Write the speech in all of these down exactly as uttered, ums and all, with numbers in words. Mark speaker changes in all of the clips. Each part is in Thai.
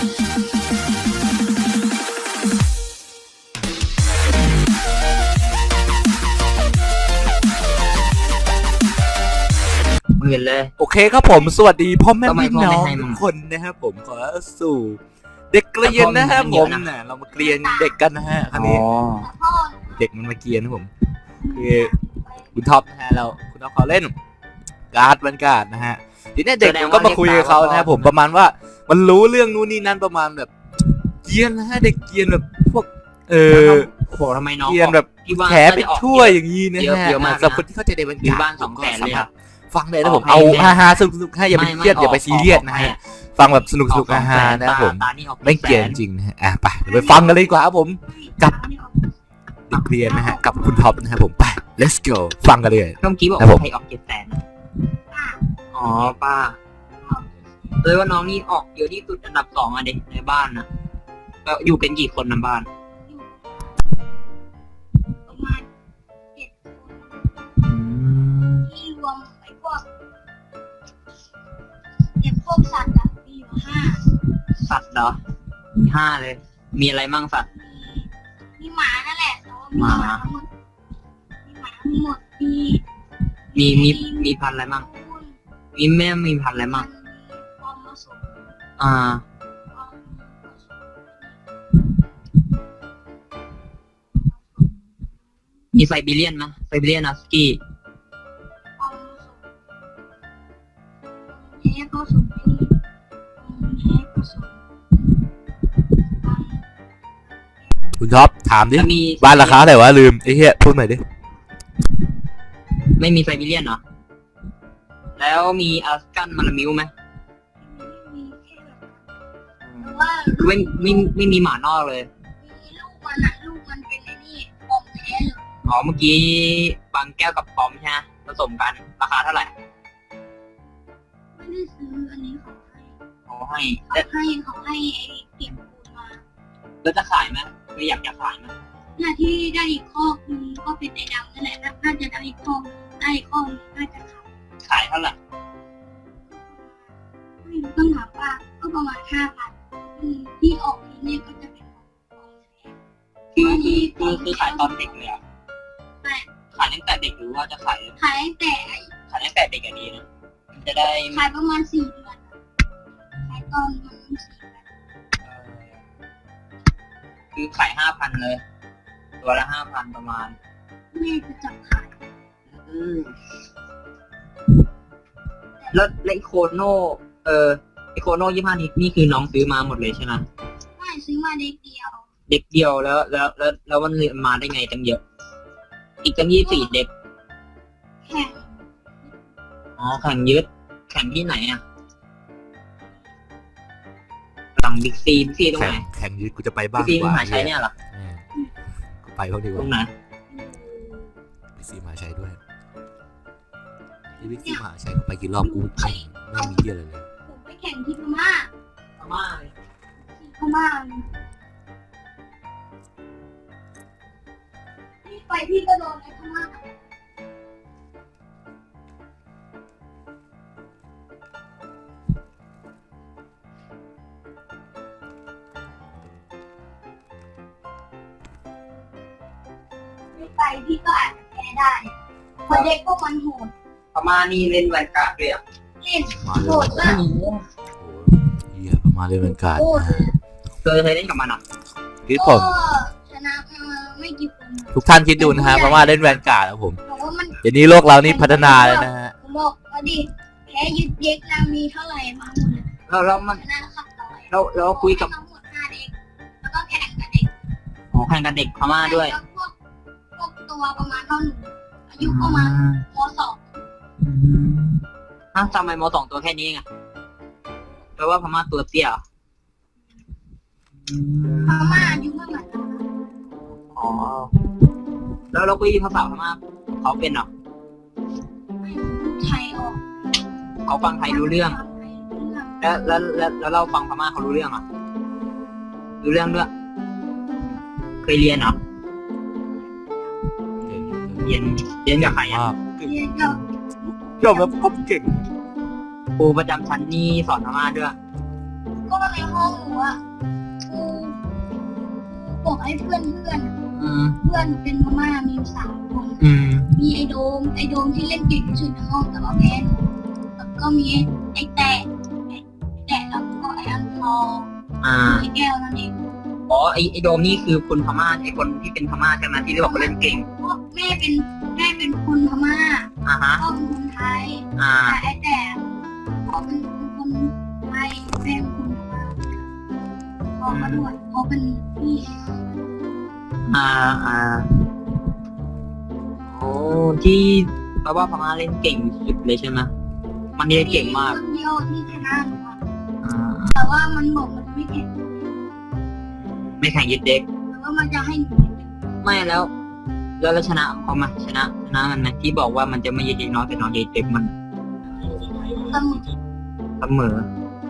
Speaker 1: หมื่นเลย
Speaker 2: โอเคครับผมสวัสดีพ่อแม่พี่น้องทุกคนนะครับผมขอสู่เด็กเกรียนนะครับผมเนี่ยเรามาเกรียนเด็กกันนะฮะครั้งนี้เด็กมันมาเกรียนนะผมคือคุณท็อปนะฮะเราคุณท็อปเขาเล่นการ์ดบรรยากาศนะฮะทีนี้เด็กก็มาคุยกับเขานะครับผมประมาณว่ามันรู้เรื่องนู้นนี่นั่นประมาณแบบเกรียนนะฮะเด็กเกรียนแบบพวกเออ
Speaker 1: โอ้โหทำไมน้อง
Speaker 2: เกรียนแบบแฉไปทั่วอย่างนี้นะฮะสำหรับคนที่เข้าใจในบรรยากาศ
Speaker 1: บ้านสองแสนเลยครับ
Speaker 2: ฟังเลยนะผมเอาฮาฮาสนุกสนุกให้อย่าไปเครียดอย่าไปซีเรียสนะฮะฟังแบบสนุกสนุกฮาฮานะครับผมไม่เกลียดจริงนะฮะอ่ะไปเดี๋ยวไปฟังกันเลยดีกว่าครับผมกับเด็กเรียนนะฮะกับคุณท็อปนะครับผมไป let's go ฟังกันเลย
Speaker 1: เมื่อกี้บอกใครออกเจ็ดแสนอ๋อป้าเลยว่าน้องนี่ออกเยอะที่สุดอันดับสองอ่ะเด็กในบ้านนะก็อยู่กันกี่คนในบ้าน
Speaker 3: ที่รวมไอ้พวกเด็กพวกสัตว์อะมีอยู่ห้า
Speaker 1: สัตว์เหรอมีห้าเลยมีอะไรมั่งสัตว์
Speaker 3: มีหมานั่นแหละมีหมาทั้งหมดมีหมาทั้งหมดมี
Speaker 1: มีมีมีพันอะไรมั่งมีแม่มีพันอะไรมั่งอ่ามีไซบีเรียนไหมไซบีเรียนฮัสกี้
Speaker 3: แพ้ก็สูงที่แพ้ก็สูง
Speaker 2: คุณท็อปถามดิบ้านราคาเท่าไหร่วะลืมไอ้เหี้ยพูดใหม่ดิ
Speaker 1: ไม่มีไซบีเรียนเหรอแล้วมีอัสกันมาลามิวไหมไม่ไม่ไม่มีหมานอกเลย
Speaker 3: มีลูกมันอะลูกมันเป็นไอ้นี่ปอมแท้เลย
Speaker 1: อ๋อเมื่อกี้บางแก้วกับปอมใช่ไหมผสมกันราคาเท่าไหร่
Speaker 3: ไม่ได้ซื้ออันนี้เขา
Speaker 1: ให้
Speaker 3: เขาให้เขาให้เขาให้ไอ้เก็บปูนมา
Speaker 1: แล้วจะขายไหมไม่อยากจะขายไหม
Speaker 3: เนี่ยที่ได้อีกข้อคือก็เป็นไอ้ดำนั่นแหละน่าจะได้อีกข้อได้อีกข้อน่าจะขาย
Speaker 1: ขายเท่าไหร่
Speaker 3: ไม่รู้ต้องถามว่าก็ประมาณห้าพันที่ออกทีนี้ก็จะเป็นของแท้
Speaker 1: คือคือคือคือขายตอนเด็กเลยอ่ะ
Speaker 3: ใช่
Speaker 1: ขายตั้งแต่เด็กหรือว่าจะขาย
Speaker 3: ขายตั้งแต่
Speaker 1: ขายตั้งแต่เด็กอย่างนี้นะมันจะได้
Speaker 3: ขายประมาณสี่เดือนขายตอนมันสี่เดือน
Speaker 1: คือขายห้าพันเลยตัวละห้าพันประมาณ
Speaker 3: แม่จะจับขาย
Speaker 1: อืมแล้วไอโคโน่เออไอโคโน่ยี่ห้านี้นี่คือน้องซื้อมาหมดเลยใช่ไหม
Speaker 3: ไม่ซื้อมาเด็กเดียว
Speaker 1: เด็กเดียวแล้วแล้วแล้วแล้วมันมาได้ไงตั้งเยอะอีกตั้งยี่สี่เด็ก
Speaker 3: แข่ง
Speaker 1: อ๋อแข่งยึดแข่งที่ไหนอ่ะหลังบิ๊กซีบิ๊กซีตรงไหน
Speaker 2: แข่งยึดกูจะไปบ้าง
Speaker 1: บิ๊กซีมหาชัยเนี่ยหรอ
Speaker 2: กูไปเขาดีกว่า
Speaker 1: ตรงไหน
Speaker 2: บิ๊กซีมหาชัยด้วยที่บิ๊กซีมหาชัยไปกี่รอบกูแข่งไม่มีเยอะเลย
Speaker 3: ผมไปแข่งที่พม่า
Speaker 1: พม่าเลย
Speaker 3: ที่พม่าพี่ไปพี่ก็โดนในพม่าไปพี่ก็อาจจะแพ้ได้เพราะเด็กพวกมันโหด
Speaker 1: พม่านี่เล่นแวนการ์ดเลยอ่ะ
Speaker 3: เล่นโหดมาก
Speaker 2: โอ้เหี้ยพม่าเล่นแวนการ์ด
Speaker 1: เคยเคยเล่นกับมันอ่ะ
Speaker 2: คิดผม
Speaker 3: ชนะไม่กี่คน
Speaker 2: ทุกท่านคิดดูนะฮะพม่าเล่นแวนการ์ดครับผมเดี๋ยวนี้โลกเรานี่พัฒนาเลยนะฮะ
Speaker 3: ผมบอกว่าดิแพ้ยึดเด็กนามีเท่าไหร่มาหมดเลย
Speaker 1: เราเรามันเราเราคุยกับ
Speaker 3: ทั้งหมดห้าเด็กแล้วก็แข่งกับเด็ก
Speaker 1: อ๋อแข่งกับเด็กพม่าด้วย
Speaker 3: พวกตัวประมาณเท่าหนูอายุประมาณม.สอง
Speaker 1: ฮะทำไมม.สองตัวแค่นี้ไงแปลว่าพม่าตัวเตี้ย
Speaker 3: พม่าอายุไม่เหมือนกัน
Speaker 1: อ๋อแล้วเราคุยภาษาพม่าเขาเป็นเหรอ
Speaker 3: ไทยออก
Speaker 1: เขาฟังไทยรู้เรื่องแล้วแล้วแล้วเราฟังพม่าเขารู้เรื่องอ่ะรู้เรื่องด้วยเคยเรียนเหรอเรียนเรียนกับใครอ่ะ
Speaker 3: เรียนกับ
Speaker 2: ยอมรับผมเก่ง
Speaker 1: ครูประจำชั้นนี่สอนพม่าด้วย
Speaker 3: ก็ในห้องหนูอะครูบอกให้เพื่อนเพื่อน
Speaker 1: อืม
Speaker 3: เพื่อนเป็นพม่ามีอยู่สามคน
Speaker 1: อืม
Speaker 3: มีไอโดมไอโดมที่เล่นเก่งที่สุดในห้องแต่ว่าแพ้หนูแล้วก็มีไอแตะไอแตะแล้วก็ไออันทอง
Speaker 1: อ่า
Speaker 3: ไอแก้วนั่นเอง
Speaker 1: อ๋อไอไอโดมนี่คือคนพม่าไอคนที่เป็นพม่าใช่ไหมที่บอกว่าเล่นเก่ง
Speaker 3: เพราะแม่เป็นแม่เป็นคนพม่า
Speaker 1: อ่าฮะ
Speaker 3: พ่อเป็นคนไทย
Speaker 1: อ่า
Speaker 3: แต่ไอแต่พ่อเป็นคนไทยแม่เป็นคนพม่าพ่อก็ด้วยพ่อเป็นพี่
Speaker 1: อ่า อ่า โอ้ที่แปลว่าพม่าเล่นเก่งสุดเลยใช่ไหมมันเล่นเก่งมาก
Speaker 3: คนเดียวที่ชนะหนูอะ
Speaker 1: อ่า
Speaker 3: แต่ว่ามันบอกมันไม่แข่ง
Speaker 1: ไม่แข่งยึดเด็ก
Speaker 3: แต่ว่ามันจะให้หนู
Speaker 1: ไม่แล้ว แล้วเราชนะเขามาชนะชนะมันไหมที่บอกว่ามันจะไม่ยึดเด็กน้อยแต่น้องยึดเด็กมัน
Speaker 3: เสมอ
Speaker 1: เสมอ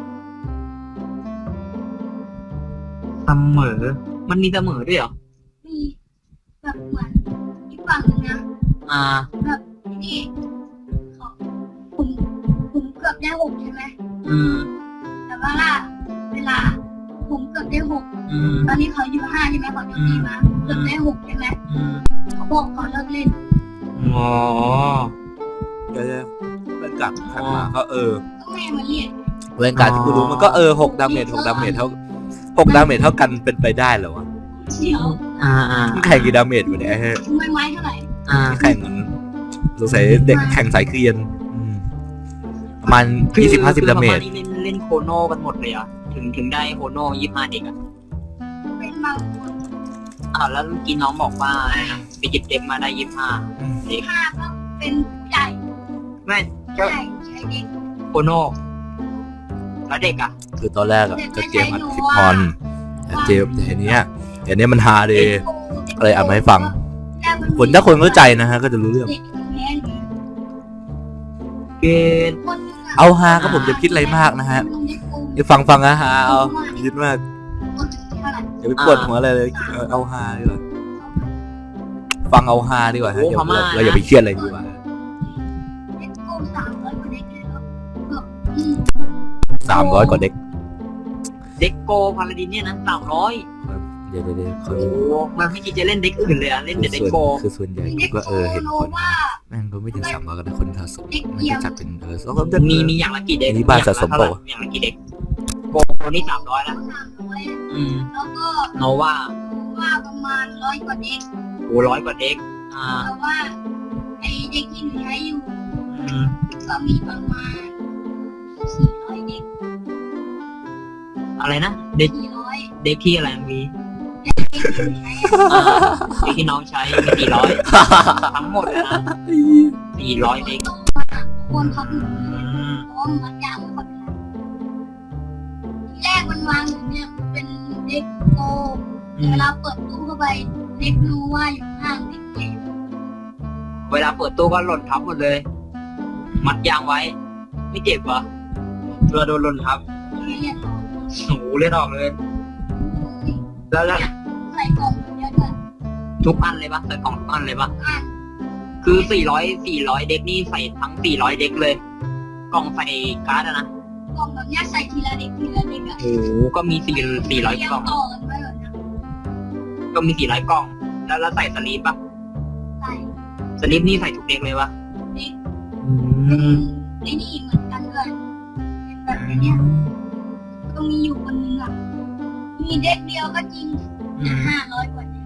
Speaker 1: เสมอ มันมีเสมอด้วยเหรอ
Speaker 3: มีแบบเหมือนอีกฝั่งหนึงนะ
Speaker 1: อ่า
Speaker 3: แบบนี่เขาผมผมเกือบได้หกใช่ไหม
Speaker 1: อืม
Speaker 3: แต่ว่าล่ะเวลาผมเกือบได้หก
Speaker 1: อืม
Speaker 3: ตอนนี้เขาอยู่ห้าใช่ไหมเขาโจมตีมาเกือบได้หกใช่ไหม
Speaker 1: อืม
Speaker 3: เขาบอกเขาเลิกเล่น
Speaker 1: อ๋อ
Speaker 2: เดี๋ยวเล่นการแข่งมาก็เออ
Speaker 3: ก็แม่มาเรียก
Speaker 2: เล่นการที่กูรู้มันก็เออหกดาเมจหกดาเมจเท่าหกดาเมจเท่ากันเป็นไปได้เหรอวะ
Speaker 3: เชียว
Speaker 1: อ่าอ่า
Speaker 2: มันแข่งกี่ดาเมจวะเนี่ย
Speaker 3: ไม่ไม้เท่าไหร่
Speaker 1: อ่า
Speaker 2: แข่งมันสงสัยเด็กแข่งสายเกรียนอืมประมาณยี่สิบห้าสิบดาเมจ
Speaker 1: คือประณนี้เล่นเล่นโคโนกันหมดเลยเหรอ่ะถึงถึงได้โคโนยี่ห้าเด็กอ่ะ
Speaker 3: เป็นบางคน
Speaker 1: อ้าวแล้วเมื่อกี้น้องบอกว่าอะไรนะไปหยิบเด็กมาได้ยี่ห้าเด็ก
Speaker 3: ห้าก็เป็นผู้ใหญ่
Speaker 1: แม่
Speaker 3: ผู้
Speaker 1: ก็
Speaker 3: ใหญ่ใช้เด็ก
Speaker 1: โคโนแล้วเด็กอ่ะ
Speaker 2: คือตอนแรกอะจะเจมอัดคลิปพรแต่เจมแต่เนี้ยแต่เนี้ยมันฮาเดย์ อะไรอ่านมาให้ฟัง คนถ้าคนเข้าใจนะฮะก็จะรู้เรื่อง
Speaker 3: เด็กมันแพ้หนู
Speaker 1: เกณฑ์
Speaker 3: คนหนึ่งะ
Speaker 2: เอาฮาก็ผมจะคิดอะไรมากนะฮะไอ้ฟังฟังนะฮะเอาคิดมากอย่าไปปวดหัวอะไรเลยเอาเอาฮาดีกว่าฟังเอาฮาดีกว่าฮะอย่าเราเราอย่าไปเครียดอะไรดีกว่า
Speaker 3: เด็กโกงสามร้อยกว่าเด็กเลยเหรอแบบอืม
Speaker 2: สามร้อยกว่าเด็ก
Speaker 1: เด็กโกพาราดินเนี่ยนะสามร้อย
Speaker 2: เดี๋ยวเดี๋ยวเดี๋ยวเขา
Speaker 1: โอ้มันไม่คิดจะเล่นเด็กอื่นเลยอ่ะเล่นแต่เด็ก
Speaker 2: ส่วน
Speaker 1: โก
Speaker 2: คือส่วนใหญ่
Speaker 3: เด็ก
Speaker 2: ก็
Speaker 3: โก
Speaker 2: เออเห็น
Speaker 3: โน
Speaker 2: คน
Speaker 3: ว่า
Speaker 2: แม่งก็ไม่ถึงสามร้อยกันนะคนสะสมมันจะจัดเป็นเออสอง
Speaker 1: มีมีอย่างละกี่เด็ก
Speaker 2: อันนี้บ้านสะสมเปล่า
Speaker 1: อย่างละกี่เด็กโกนี่สามร้อยแล้ว
Speaker 3: สามร้อย
Speaker 1: อืม
Speaker 3: แล้วก็
Speaker 1: โนว่า
Speaker 3: ว่าประมาณร้อยกว่าเด็ก
Speaker 1: โอ้ร้อยกว่าเด็ก อ่า
Speaker 3: แต่ว่าไอเด็กที่หนูใช้อยู่
Speaker 1: อืม
Speaker 3: ก็มีประมาณสี่ร้อยเด็ก
Speaker 1: อะไรนะเด็ก
Speaker 3: สี่ร้อย
Speaker 1: เด็กที่อะไรมี
Speaker 3: เด็กที่หนูใช้อะ
Speaker 1: อ่าเด็กที่น้องใช้มีสี่ร้อยทั้งหมดเลยนะสี่ร้อยเด็ก
Speaker 3: ควรพับหนู
Speaker 1: อืม
Speaker 3: เพราะว่ามันยาวไม่ค่อยเป็นไรทีแรกมันวางอยู่เนี่ยเป็นเด็กโก
Speaker 1: อื
Speaker 3: เว
Speaker 1: ม
Speaker 3: ลาเปิดตู้เข้าไปเด็กรู้ว่าอยู่ข้างเด็กแก่
Speaker 1: เวลาเปิดตู้ก็หล่นทับหมดเลย มัดยางไว้ ไม่เจ็บเหรอเราโดนหล่นทับ
Speaker 3: ไม่เรียนต่อ
Speaker 1: โอ้โหเลือดออกเลย แล้วแล้ว
Speaker 3: ใส่กล่องเยอะด้วย
Speaker 1: ทุกอันเลยปะใส่กล่องทุกอันเลยปะ
Speaker 3: อ่าน
Speaker 1: คือสี่ร้อย สี่ร้อยเด็กนี่ใส่ทั้งสี่ร้อยเด็กเลย กล่องใส่การ์ดอะนะ
Speaker 3: กล่องแบบเนี้ยใส่ทีละเด็กทีละเด็กอะ
Speaker 1: โอ้โหก็มีสี่สี่ร้อย
Speaker 3: เรีง
Speaker 1: กล่อง
Speaker 3: ต่อกันไว้แบบเนี้ย
Speaker 1: ก็มีสี่ร้อยกล่อง แล้วแล้วใส่สลีปปะ
Speaker 3: ใส่
Speaker 1: สลีปนี่ใส่ทุกเด็กเลยปะ
Speaker 3: เด็ก
Speaker 1: อื
Speaker 3: เป็น
Speaker 1: ม
Speaker 3: ไอ้นี่เหมือนกันด้วยเป็นแบบเนี้ยก็มีอยู่คนนึงอะมีเด็กเดียวก็จริง
Speaker 1: อื
Speaker 3: แต่
Speaker 1: ม
Speaker 3: ห้าร้อยกว่าเด็ก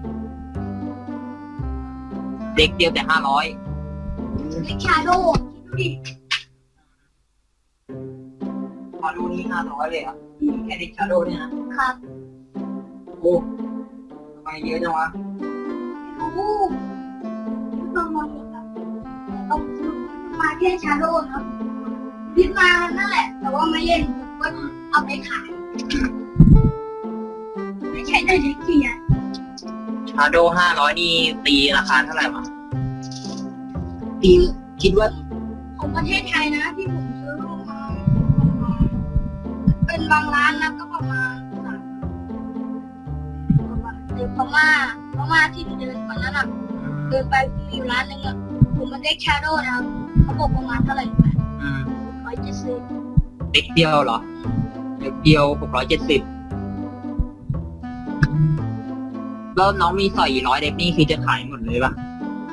Speaker 1: เด็กเดียวแต่ห้าร้อย
Speaker 3: เด็กชาโดว์คิดดูดิ
Speaker 1: มาดูนี่ห้าร้อยเลยอ่ะแค่เด็กชาโดเนี่ยนะครับ โอ้ทำไมเยอะจังวะ
Speaker 3: ไม่รู้ที่ต้องมาหมดอะแต่ต้องสรุปว่ามันมาแค่ชาโดว์นะครับพิดมานั่นแหละ แต่ว่าไม่เล่นผมก็เอาไปขาย ไม่ใช่แต่เด็กเกียร์
Speaker 1: ชาโดห้าร้อยนี่ตีราคาเท่าไหร่วะตีคิดว่า
Speaker 3: ของประเทศไทยนะที่ผมซื้อมาเป็นบางร้านนะก็ประมาณสามประมาณเดินพม่าพม่าที่เดินวันนั้นอ่ะเดินไปมีอยู่ร้านหนึงอ่ะผมมันได้ชาโดว์นะครับเขาบอกประมาณเท่าไหร่รู้ไหม
Speaker 1: อืม
Speaker 3: ร้อยเจ็ดสิบ
Speaker 1: เด็กเดียวเหรอเด็กเดียวหกร้อยเจ็ดสิบแล้วน้องมีสอยร้อยเด็กนี่คือจะขายหมดเลยปะ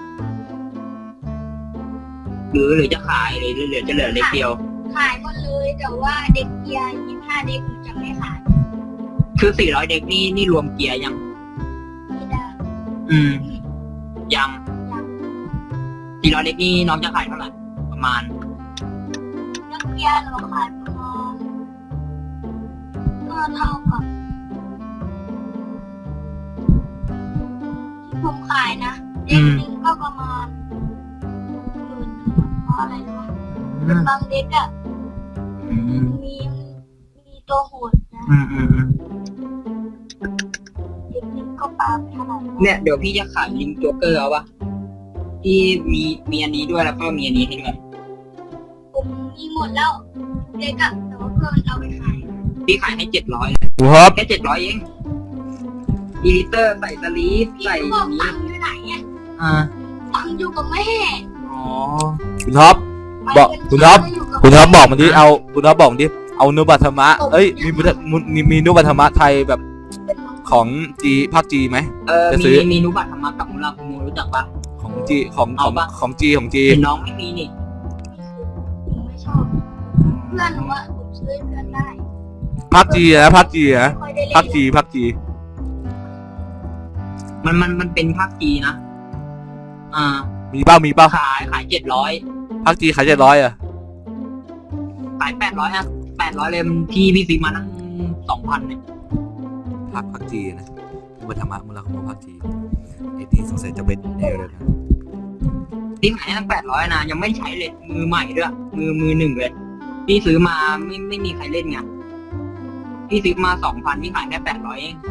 Speaker 1: หรือหรือจะขายหรือเหลือจะเหลือเด็กเดียว
Speaker 3: ขายหมดเลยแต่ว่าเด็กเกียร์ยี่ห้าเด็กหนูจะไม่ขาย
Speaker 1: คือสี่ร้อยเด็กนี่นี่รวมเกียร์ยัง
Speaker 3: ไม่ได้
Speaker 1: อืม ยังสี่ร้อยเด็กนี่น้องจะขายเท่าไหร่ประมาณ
Speaker 3: เด็กเกียร์หนูขายประมาณก็เท่ากับที่ผมขายนะเด็กหนึ่งก็ประมาณหมื่นหนึ่งเพราะอะไรรู้ไหมเป็นบางเด็กอะ
Speaker 1: อืม
Speaker 3: มีมีตัวโหดนะ
Speaker 1: อืมอืมอืม
Speaker 3: เด็กหนึ่งก็ปาไปเท่าไหร่
Speaker 1: เนี่ยเดี๋ยวพี่จะขายลิงโจ๊กเกอร์เอาปะที่มีมีอันนี้ด้วยแล้วก็มีอันนี้ให้ด้วย
Speaker 3: ผมมีหมดแล้วเด็กอะแต่ว่าเพื่อนเอาไปขาย
Speaker 1: พี่ขายให้เจ็ดร้อย
Speaker 2: ครับ
Speaker 1: แค่เจ็ดร้อยเองอีลิเตอร์ใส่สลีฟ
Speaker 3: พี่
Speaker 1: ใส่
Speaker 3: ก็บอก
Speaker 1: นี้
Speaker 3: ตังค์อยู่ไหนอะ
Speaker 1: อ่า
Speaker 3: ตังค์อยู่กับแม่
Speaker 1: อ๋อ
Speaker 2: คุณท็อป บอกคุณท็อป คุณท็อปบอกมันดิเอาคุณท็อปบอกมันดิเอานุบัตธรรมะเอ้ยมีพุทธมีมีนุบัตธรรมะไทยแบบของจีภาคจีไหม
Speaker 1: เออ
Speaker 2: จะซื้
Speaker 1: มี
Speaker 2: อ
Speaker 1: มีนุบัตธรรมะกับมุลาคุโมรู้จักปะ
Speaker 2: ของจีของข
Speaker 1: เอา
Speaker 2: อง
Speaker 1: ปะ
Speaker 2: ของจีของจี
Speaker 1: เห็นน้องไม่มีนี่
Speaker 3: ผมไม่ชอบเพื่อนหนูว่าผมซื้อให้เพื่อนได้
Speaker 2: ภาคจีนะภาคจีนะ
Speaker 3: ไม่ค่อยได้เล่น
Speaker 2: ภาคจีภาคจี
Speaker 1: มันมันมันเป็นภาคจีนะอ่า
Speaker 2: มีเป้ามีเป้า
Speaker 1: ขายขายเจ็ดร้อย
Speaker 2: ภาคจีขายเจ็ดร้อยอ่ะ
Speaker 1: ขายแปดร้อยฮะแปดร้อยเลยพี่พี่ซื้อมาตั้งสองพันเนี่ย
Speaker 2: ภาคภาคจีนะนุบัตธรรมะมุลาคุโมภาคจีไอ้ที่สงสัยจะเป็นเอวเลยนะ
Speaker 1: พี่ขายตั้งแปดร้อยนะยังไม่ใช้เลยมือใหม่ด้วยมือมือหนึ่งเลยพี่ซื้อมาไม่ไม่มีใครเล่นไงพี่ซื้อมาสองพันพี่ขายแค่แปดร้อยเอง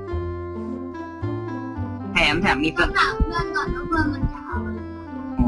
Speaker 1: แถมแถมมี
Speaker 3: ต้องถามเพื่อนก่อนว่าเพื่อนมันจะเอาอะไร
Speaker 1: โอ้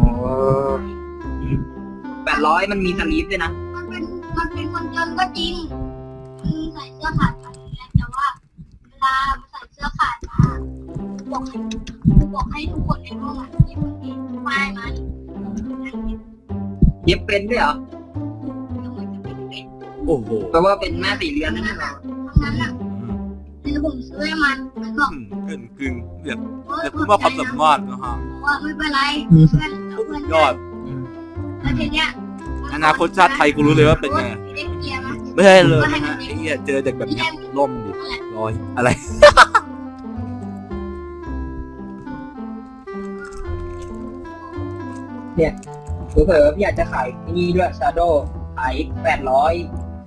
Speaker 1: แปดร้อยมันมีสลีฟด้วยนะ
Speaker 3: มันเป็นมันเป็นคนจนก็จริงมันใส่เสื้อขาดมาอย่างเงี้ยแต่ว่าเวลาใส่เสื้อขาดมาบอกให้บอกให้ทุกคนในห้องอ่ะหยิบกางเกงป้ายมาดินั่งเก็บ
Speaker 1: เย็บเป็นด้วยเหรอ
Speaker 3: แล้วมันจะเป็นเป็น
Speaker 2: โอ้โห
Speaker 1: แปลว่าเป็นแม่สี่เรือนนั่นเหรอ
Speaker 3: ทั้งนั้นอ่ะแล้วผมซื้อให้มันมันบอก
Speaker 2: กึ่งกึ่งเรียก
Speaker 3: เฮ้ย
Speaker 2: เรียกว่าความสามารถนะฮะ
Speaker 3: บอกว่าไม่เป็นไรเพื่อนเพื่อน
Speaker 2: ยอด
Speaker 3: แล้วทีเนี้ย
Speaker 2: อนาคตชาติไทยกูรู้เลยว่าเป็นไง
Speaker 3: เด็กเกียร์มั้ย
Speaker 2: ไม่ใช่เลยนะฮะไอ้เหี้ยเจอเด็กแบบเนี้ยล่มดิลอยอะไร
Speaker 1: เผื่อๆพี่อยากจะขายที่นี่ด้วยชาโดขายแปดร้อย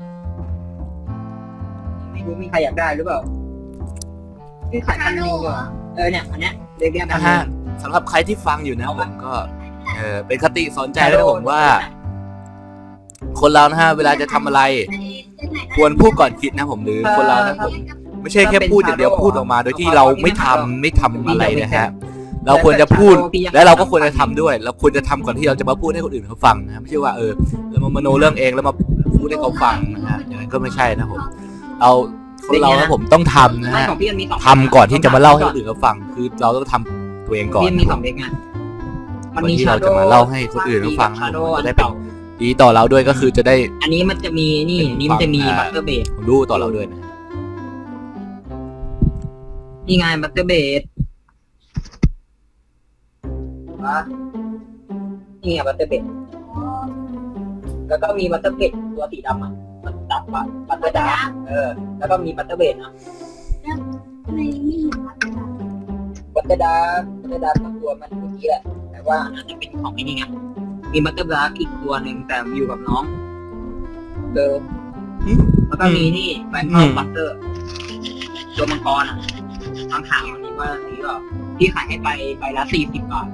Speaker 1: ไม่รู้มีใครอยากได้หรือเปล่าพี่ขายพันหนึ่งเหรอเออเนี่ยอันเนี้ยเรียกเรียกพัน
Speaker 2: นะ
Speaker 1: หนึ่
Speaker 2: ฮะ
Speaker 1: ง
Speaker 2: สำหรับใครที่ฟังอยู่นะผมก็เออเป็นคติสอนใจแล้วนะผมว่า คนเรานะฮะเวลาจะทำอะไร ควรพูดก่อนคิดนะผมหรือคนเรานะผมไม่ใช่แค่พูดอย่างเดียวพูดออกมาโดยที่เราไม่ทำไม่ทำอะไรนะฮะเราควรจะพูดและเราก็ควรจะทำด้วย เราควรจะทำก่อนที่เราจะมาพูดให้คนอื่นเขาฟังนะไม่ใช่ว่าเออเรามามโนเรื่องเองแล้วมาพูดให้เขาฟังนะฮะอย่างนั้นก็ไม่ใช่นะผมเราคนเรานะผมต้องทำนะ
Speaker 1: ไม่
Speaker 2: ฮะ
Speaker 1: ของพี่มันมีสอง
Speaker 2: ทำก่อนที่จะมาเล่าให้คนอื่นเขาฟัง คือเราต้องทำตัวเองก่อน
Speaker 1: พี่มันมีสองเด็กไง
Speaker 2: ก่อนที่เราจะมาเล่าให้คนอื่นเขาฟังนะ
Speaker 1: ชาโด
Speaker 2: ผม
Speaker 1: อั
Speaker 2: จะ
Speaker 1: น
Speaker 2: ได้เป็น
Speaker 1: เก่า
Speaker 2: ดีต่อเราด้วยก็คือจะได้
Speaker 1: อันนี้มันจะมีนี่นี่มันจะมีบัตเตอร์เบด
Speaker 2: รู้ต่อเราด้วยนะ
Speaker 1: นี่ไงบัตเตอร์เบดนี่ไงบัตเตอร์เบดแล้วก็มีบัตเตอร์เบดตัวสีดำอ่ะมันดับบัตบัตเตอร์ดาร์กเออแล้วก็มีบัตเตอร์เบดนะ
Speaker 3: ไม่มีครับ
Speaker 1: บัตเตอร์ดาร์กบัตเตอร์ดาร์กตัวมันเมื่อกี้แหละแต่ว่าอันนั้นจะเป็นของไอ้นี่ไงมีบัตเตอร์ดาร์กอีกตัวหนึ่งแต่อยู่กับน้องเออแล้วก็มีนี่แบงค์บัตเตอร์ตัวมังกรอ่ะทางขาวอันนี้ว่าสีก็ที่ขายให้ไปไปละสี่สิบบาท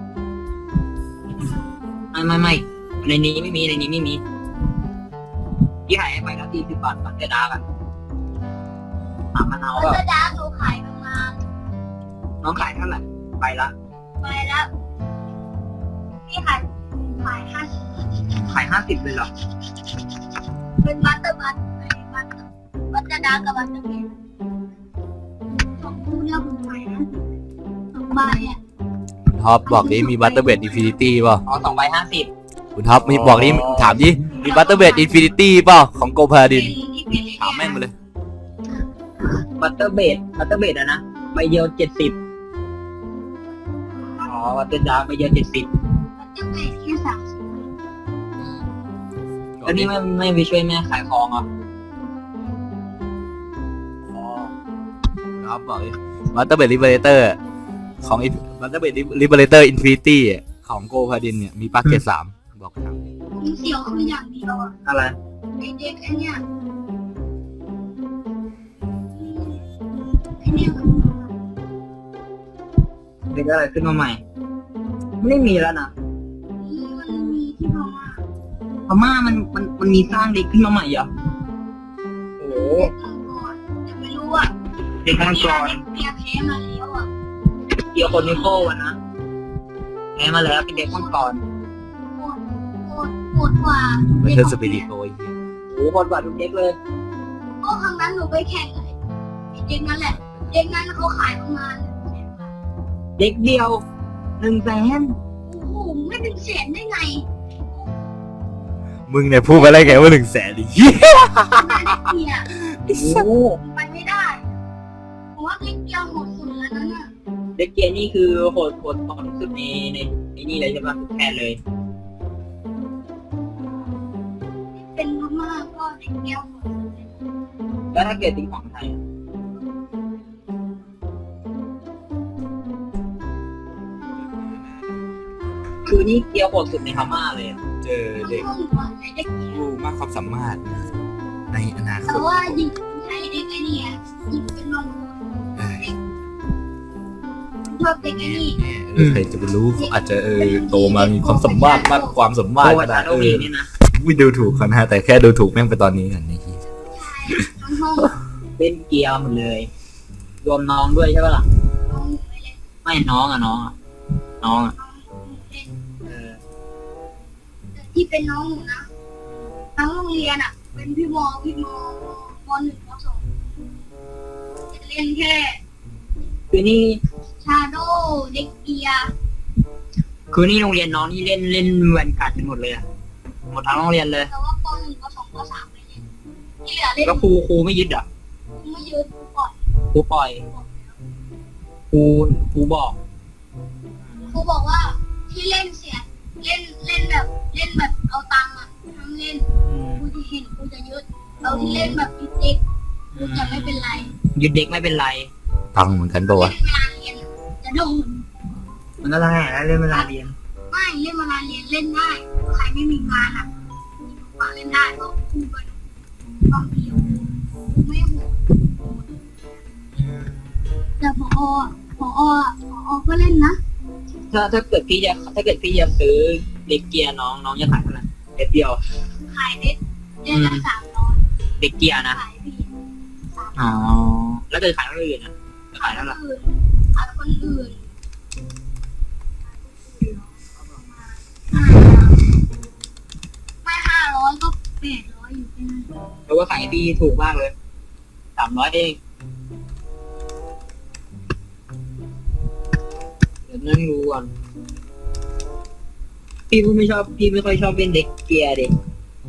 Speaker 1: ไม่ไม่ไม่ในนี้ไม่มีในนี้ไม่มีที่ขายให้ไปละสี่สิบบาทบัตเตอร์ดาร์กอะถามมะนาว
Speaker 3: แล้ว
Speaker 1: ว่า
Speaker 3: จะดาหนูขายประมาณ
Speaker 1: น้องขายเท่าไหร่ไปละ
Speaker 3: ไปแล้วพี่ขายขายห้าสิบ
Speaker 1: ขายห้าสิบเลยเหรอ
Speaker 3: เป็นบัตเตอร์บัตเป็นบัตเตอร์บัตเตอร์ดากับบัตเตอร์เบนสองคู่เนี่ยผมขายห้าสิบสองใบอ่ะ
Speaker 2: คุณท็อปบอกนี้มีบัตเตอร์เบดอินฟินิตี้เปล่า
Speaker 1: อ๋อสองใบห้าสิบ
Speaker 2: คุณท็อปมีบอกนี้ถามดิมีบัตเตอร์เบดอินฟินิตี้เปล่าของโกพาดินถามแม่งมาเลย
Speaker 1: บัตเตอร์เบดบัตเตอร์เบดอะนะใบเดียวเจ็ดสิบอ๋อบัตเตอร์ดาร์กใบเดียวเจ็ดสิบ
Speaker 3: มันจะเป็นแค่สามสิบ
Speaker 1: แล้วนี่ไม่ไม่ไปช่วยแม่ขายของเหรออ๋อ
Speaker 2: ครับบอกเลยวัตเตอร์เบดลิเบเลเตอร์ของวัตเตอร์เบดลิเบเลเตอร์อินฟินิตี้ของโกพาดินเนี่ยมีปลั๊กเกตสามบอกครับ
Speaker 3: ผมเสียวคืออย่างเดียวอะ
Speaker 1: อะไร
Speaker 3: ไอเด็กไอเนี่ยไอเนี่ยมัน
Speaker 1: เด็กอะไรขึ้นมาใหม่ ไม่มีแล้วนะ
Speaker 3: มันมีที่พม่า
Speaker 1: พม่ามันมันมันมีสร้างเด็กขึ้นมาใหม่เหรอโอ้โห
Speaker 3: เด็กมังกรแต่ไม่รู้อ่ะ
Speaker 1: เด็กมังกร
Speaker 3: เปียแพ้มาแล้วอ่ะ
Speaker 1: เกี่ยวคนนิโก้วันนะแพ้มาแล้วเป็นเด็กมังกร
Speaker 3: โคตรโคตรโคตรกว่า
Speaker 2: ไม่ใช่สปิริโตอีก
Speaker 1: โอ้โหคนกว่าทุกเด็กเลย
Speaker 3: เพราะครั้งนั้นหนูไปแข่งไอ้เด็กนั่นแหละ เด็กนั้นเขาขายประมาณหนึ่งแสนบาท
Speaker 1: เด็กเดียวหนึ่งแสน
Speaker 3: โอ้โหไม่ถึงแสนได้ไง
Speaker 2: มึงเนี่ยพูดไปได้ไงว่าหนึ่งแสนดิ
Speaker 3: ขนาดเด็กเนี่ย
Speaker 1: โอ้โห
Speaker 3: ไปไม่ได้ผมว่าเด็กเดียวโหดสุดแล้วนั่นน่ะ
Speaker 1: เด็กเกียร์นี่คือโหดโหดพอที่สุดในในในนี่เลยใช่ไหมทุกแค่เลย
Speaker 3: เป็นพม่าก็เด็กเดียวโหดสุดเลย
Speaker 1: แล้วถ้าเกิดเป็นของไทยอะคือนี่เกียร์โหดสุดในพม่าเลยอะ
Speaker 2: เจอเด็ก
Speaker 3: ต้องหนูอะใช้เด็กเดียว
Speaker 2: ผู้มากความสามารถในอนาค
Speaker 3: แต่
Speaker 2: ต
Speaker 3: ว่ายิงใช้เด็กไอ้นี่อะยิงเป็นบางคน
Speaker 2: เออ
Speaker 3: ชอบเด็กไอ้นี่
Speaker 2: เออใครจะไปรู้เขาอาจจะเออโตมามีความสามารถมากกว่าความสามารถ
Speaker 1: โอ้
Speaker 2: ก็
Speaker 1: ย
Speaker 2: ได้
Speaker 1: แต่
Speaker 2: เอ
Speaker 1: โอเค
Speaker 2: อ
Speaker 1: นี่นะ
Speaker 2: ไม่ดูถูกเขานะฮะแต่แค่ดูถูกแม่งไปตอนนี้กันนี่
Speaker 3: ทั้งห้อง
Speaker 1: เล่นเกียร์หมดเลย รวมน้องด้วยใช่ปะล่ะ
Speaker 3: ห้องไปเลย
Speaker 1: ไม่น้องอะน้องอะน้องอะ
Speaker 3: เล่น
Speaker 1: เออ
Speaker 3: แต่ที่เป็นน้องหนูนะทั้งโรงเรียนอะเป็นพี่มอพี่มอมหนึ่งมสองจะเล่นแค่
Speaker 1: คือนี่
Speaker 3: ชาโดเด็กเกียร์
Speaker 1: คือนี่โรงเรียนน้องนี่เล่นเล่นแวนการ์ดกันหมดเลยอะหมดทั้งโรงเรียนเลย
Speaker 3: แต่ว่าปหนึ่งปสองปสามไม่เล่นที่เหลือเล่น
Speaker 1: ก็ครูครูไม่ยึดอ่ะ
Speaker 3: ไม่ยืดก่อน
Speaker 1: ครูปล่อยครูครูบอก
Speaker 3: ครูบอกว่าที่เล่นเสียเล่นเล่นแบบเล่นแบบเอาตังค์อะทั้งเล่น
Speaker 1: อืม
Speaker 3: ครูจะเห็นครูจะยึดเอาที่เล่นแบบเด็กๆครูจะไม่เป็นไร
Speaker 1: ยึดเด็กไม่เป็นไร
Speaker 2: ตังเหมือนกันปะวะ
Speaker 3: เล่นเวลาเรียนจะโดน
Speaker 1: มันก็ได้แล้วเล่นเวลาเรียน
Speaker 3: ไม่เล่นเวลาเรียนเล่นได้ใครไม่มีงานอ่ะมาเล่นได้เพราะครูเป็นความเดียวครูไม่โหดแต่พอพอพอก็เล่นนะ
Speaker 1: ถ้าถ้าเกิดพี่จะถ้าเกิดพี่จะซื้อเด็กเกียร์น้องน้องจะขายเท่าไหร่เด็กเดียว
Speaker 3: ขายเด็ดเดือนละสามร้อย
Speaker 1: เด็กเกียร์นะ
Speaker 3: ขายพี่สาม
Speaker 1: อ๋อแล้วเกิดขายคนอื่นอ่ะจะขายเท่าไหร่
Speaker 3: อื่นขายคนอื่นไม่ห้าร้อยก็แปดร้อยอยู่ที่นั่น
Speaker 1: เพราะว่าขายพี่ถูกมากเลยสามร้อยเองเดี๋ยวนั่งดูก่อนพี่ไม่ชอบพี่ไม่ค่อยชอบเล่นเด็กเกียร์เด็ก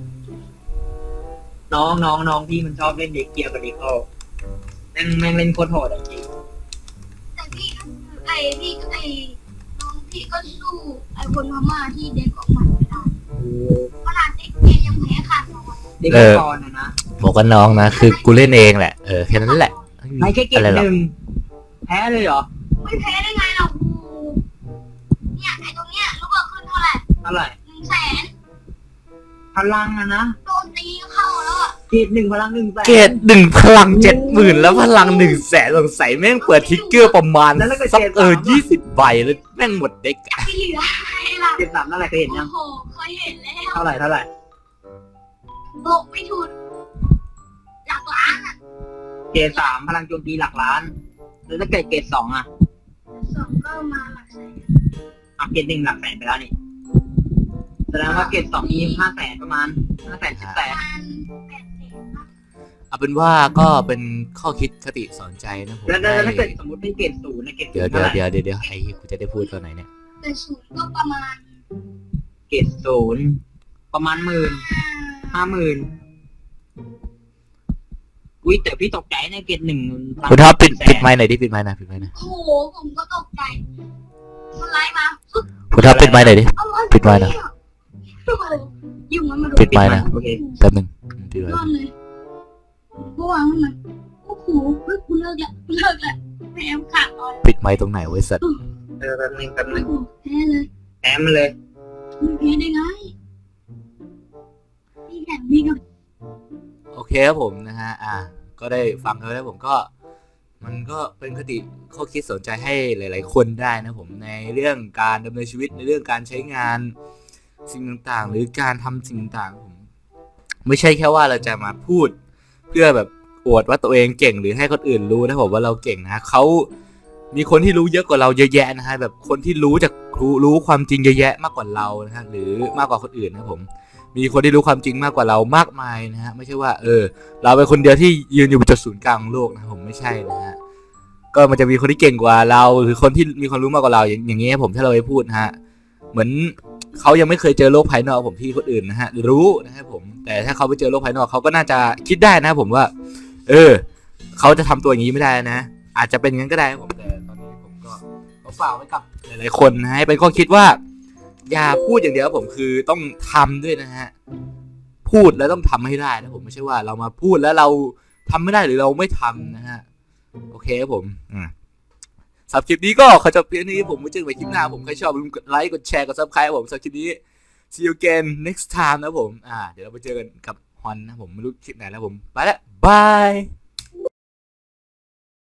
Speaker 1: น้องน้องน้องพี่มันชอบเล่นเด็กเกียร์กับเด็กเขาแม่งแม่งเล่นโคตรโหดอ่ะจริง
Speaker 3: แต่พี่ไอพี่ไอน้องพี่ก็สู้ไอคนพม่าที่เด็กออกมาไม่ได้
Speaker 1: โอ้
Speaker 3: ขนาดเด็กเกียยังแพ้ขาดน้อย
Speaker 1: เด็กมังกรนะนะ
Speaker 2: บอกกันน้องนะคือกูเล่นเองแหละเออแค่นั้นแหละ
Speaker 1: ไม่แค่เกม
Speaker 2: อะไรหร
Speaker 1: ห
Speaker 2: อก
Speaker 1: นึ่งแพ้เลยเหรอ
Speaker 3: ไม่แพ้ได้ไงเราเนี่ยไอตรงเนี้ยรู้ว่าขึ้นเท่าไหร่
Speaker 1: เท่าไหร่
Speaker 3: หนึ่งแสน
Speaker 1: พลังอะนะ
Speaker 3: โดนตีเข้าแล้วอ่ะ
Speaker 1: เกตหนึ่งพลังหนึ่งแสน
Speaker 2: เกรดหนึ่งพลังเจ็ดหมื่นแล้วพลังหนึ่งแสนสงสัยแม่งเปิดทิกเกอร์ประมาณสักเออยี่สิบใบแล้วแม่งหมดเด็กอะ
Speaker 3: ไม่เหลืออะไรล่ะ
Speaker 1: เกตสามเท่าไหร่เคยเห็น
Speaker 3: โอ้
Speaker 1: ยัง
Speaker 3: โหเคยเห็นแล้ว
Speaker 1: เท่าไหร่เท่าไหร่
Speaker 3: บอกไม่ถูกหลักล้านอ่ะ
Speaker 1: เกตสามพลังโจมตีหลักล้าน แล้วถ้าเกิดเกตสองอะ
Speaker 3: สองก็มาหลักแสน
Speaker 1: อ่ะเกตหนึ่งหลักแสนไปแล้วนี่แสดงว่าเกตสองมีห้าแสนประมาณห้าแสนสิบแสน
Speaker 3: พันแปดแสนนะ
Speaker 2: เอาเป็นว่าก็เป็นข้อคิดคติสอนใจนะผม
Speaker 1: แล้วแล้วแล้วถ้าเกิด
Speaker 2: ให้
Speaker 1: สมมติเป็นเกตศูนย์นะเกตศู
Speaker 2: เดี๋ยวน
Speaker 1: ย์
Speaker 2: เดี๋
Speaker 1: เท่า
Speaker 2: ยว
Speaker 1: ไหร่
Speaker 2: เดี๋ยวเดี๋ยวเดี๋ยวไอ้กูจะได้พูดตอนไหนเนี่ย
Speaker 3: แต่ศูนย์ก็ประมาณ
Speaker 1: เกตศูนย์ประมาณหมื่น
Speaker 3: ห้า
Speaker 1: ห้าหมื่นอุ้ยแต่พี่ตกใจนะเกรดหนึ่ง
Speaker 2: คุณท็อปปิดปิดไมค์หน่อยดิปิดไมค์หน่อยปิดไมค์หน่อย
Speaker 3: โอ้โหผมก็ตกใจมันไล่มา
Speaker 2: คุณท็อปปิดไมค์หน่อยดิ
Speaker 3: อะไร
Speaker 2: ปิดไมค์นะ
Speaker 3: โอ้โหยุ่งมันมาดู
Speaker 2: ปิดไมค์นะ
Speaker 1: โอเค
Speaker 2: แป๊บหนึงปิดไม
Speaker 3: รอด
Speaker 2: ค์
Speaker 3: เลยเมื่อวานมันโอ้โหเฮ้ยกูเลิกแล้วกูเลิกแล้วแพ้ขาดตอน
Speaker 2: ปิดไมค์ตรงไหนไว้สัตว์
Speaker 1: เออแป๊บนึงแป๊บนึง
Speaker 3: โอ้โหแพ้เลย
Speaker 1: แอมเลย
Speaker 3: ไม่แพ้ได้ไงพี่แข่งพี่ก็
Speaker 2: โอเคครับผมนะฮะอ่ะก็ได้ฟังกันแล้วผมก็ มันก็เป็นคติข้อคิดสนใจให้หลาย ๆ คนได้นะผมในเรื่องการดำเนินชีวิตในเรื่องการใช้งานสิ่งต่างๆ หรือการทำสิ่งต่างๆผมไม่ใช่แค่ว่าเราจะมาพูด เพื่อแบบอวดว่าตัวเองเก่งหรือให้คนอื่นรู้นะผมว่าเราเก่งนะเขามีคนที่รู้เยอะกว่าเราเยอะแยะนะฮะแบบคนที่รู้จากรู้รู้ความจริงเยอะแยะมากกว่าเรานะฮะหรือมากกว่าคนอื่นนะผมมีคนที่รู้ความจริงมากกว่าเรามากมายนะฮะไม่ใช่ว่าเออเราเป็นคนเดียวที่ยืนอยู่บนจุดศูนย์กลางของโลกนะผมไม่ใช่นะฮะก็มันจะมีคนที่เก่งกว่าเราหรือคนที่มีความรู้มากกว่าเราอย่างอย่างเงี้ยผมถ้าเราไปพูดนะฮะเหมือนเขายังไม่เคยเจอโลกภายนอกผมที่คนอื่นนะฮะรู้นะครับผมแต่ถ้าเขาไปเจอโลกภายนอกเขาก็น่าจะคิดได้นะผมว่าเออเขาจะทำตัวอย่างนี้ไม่ได้นะอาจจะเป็นอย่างนั้นก็ได้ผมแต่ตอนนี้ผมก็ขอฝากไว้กับหลายๆคนนะให้เป็นข้อคิดว่าอย่าพูดอย่างเดียวผมคือต้องทำด้วยนะฮะพูดแล้วต้องทำให้ได้นะผมไม่ใช่ว่าเรามาพูดแล้วเราทำไม่ได้หรือเราไม่ทำนะฮะโอเคครับผมอ่าสำหรับคลิปนี้ก็ขอจบเพียงนี้ผมไว้เจอกันใหม่คลิปหน้าผมใครชอบลืมกดไลค์กดแชร์กดซับสไครต์ผมสำหรับคลิปนี้ see you again next time นะผมอ่าเดี๋ยวเราไปเจอกันกับฮอนนะผมไม่รู้คลิปไหนแล้วผมไปแล้วบาย